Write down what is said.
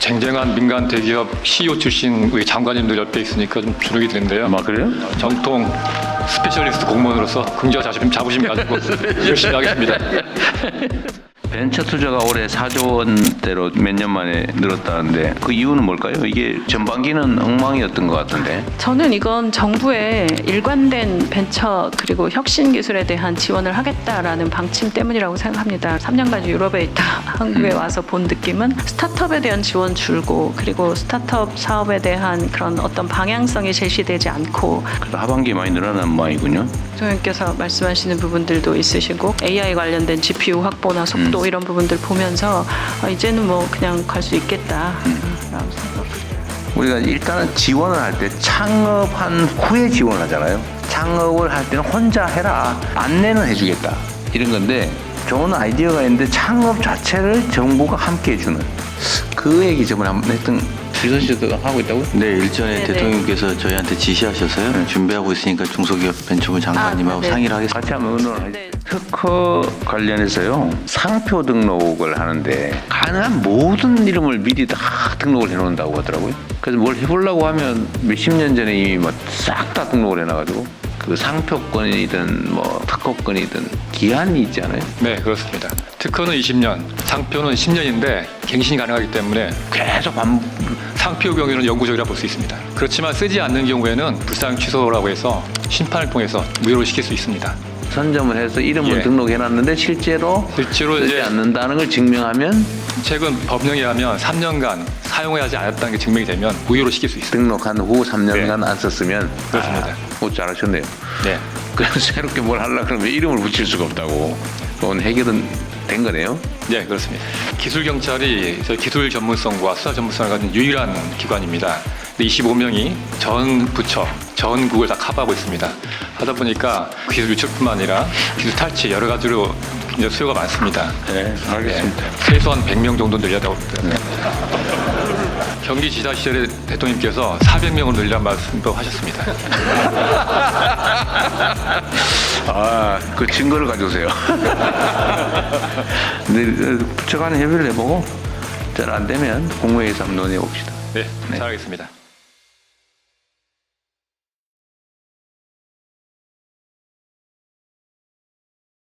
쟁쟁한 민간 대기업 CEO 출신 우리 장관님들 옆에 있으니까 좀 주눅이 드는데요. 아, 그래요? 정통 스페셜리스트 공무원으로서 긍지와 자부심 가지고 열심히 하겠습니다. 벤처 투자가 올해 4조 원대로 몇 년 만에 늘었다는데 그 이유는 뭘까요? 이게 전반기는 엉망이었던 것 같은데. 저는 이건 정부의 일관된 벤처 그리고 혁신 기술에 대한 지원을 하겠다라는 방침 때문이라고 생각합니다. 3년간 유럽에 있다 한국에 와서 본 느낌은 스타트업에 대한 지원 줄고 그리고 스타트업 사업에 대한 그런 어떤 방향성이 제시되지 않고 그래서 하반기에 많이 늘어난 모양이군요. 대통령께서 말씀하시는 부분들도 있으시고 AI 관련된 GPU 확보나 속도 이런 부분들 보면서 이제는 뭐 그냥 갈 수 있겠다라고 생각합니다. 우리가 일단은 지원을 할 때 창업한 후에 지원을 하잖아요. 창업을 할 때는 혼자 해라. 안내는 해주겠다. 이런 건데 좋은 아이디어가 있는데 창업 자체를 정부가 함께 해주는 그 얘기 저번에 한번 했던 지선 씨도 하고 있다고요? 네, 일전에 네네. 대통령께서 저희한테 지시하셔서요. 준비하고 있으니까 중소기업 벤처부 장관님하고 네. 상의를 하겠습니다. 같이 한번 의논을 하죠. 네. 특허 관련해서요. 상표 등록을 하는데 가능한 모든 이름을 미리 다 등록을 해놓는다고 하더라고요. 그래서 뭘 해보려고 하면 몇십 년 전에 이미 뭐 싹 다 등록을 해놔가지고 그 상표권이든 뭐 특허권이든 기한이 있잖아요. 네, 그렇습니다. 특허는 20년, 상표는 10년인데 갱신이 가능하기 때문에 계속 상표 경우에는 영구적이라 볼 수 있습니다. 그렇지만 쓰지 않는 경우에는 불상 취소라고 해서 심판을 통해서 무효로 시킬 수 있습니다. 선점을 해서 이름을 예. 등록해놨는데 실제로 쓰지 이제 않는다는 걸 증명하면 최근 법령에 의하면 3년간 사용하지 않았다는 게 증명이 되면 무효로 시킬 수 있습니다. 등록한 후 3년간 네. 안 썼으면 그렇습니다. 잘하셨네요. 네. 그래서 새롭게 뭘 하려고 그러면 이름을 붙일 수가 없다고. 그건 해결은 된 거네요. 네, 그렇습니다. 기술경찰이 저희 기술 전문성과 수사 전문성을 가진 유일한 기관입니다. 25명이 전 부처, 전국을 다 커버하고 있습니다. 하다 보니까 기술 유출뿐만 아니라 기술 탈취 여러 가지로 굉장히 수요가 많습니다. 네, 알겠습니다. 네, 최소한 100명 정도 늘려다고 합니다. 경기지사 시절에 대통령께서 400명으로 늘리라는 말씀도 하셨습니다. 그 증거를 가져오세요. 근데 부처 간에 협의를 해보고 잘 안 되면 국무회의에서 한번 논의해 봅시다. 네, 잘하겠습니다.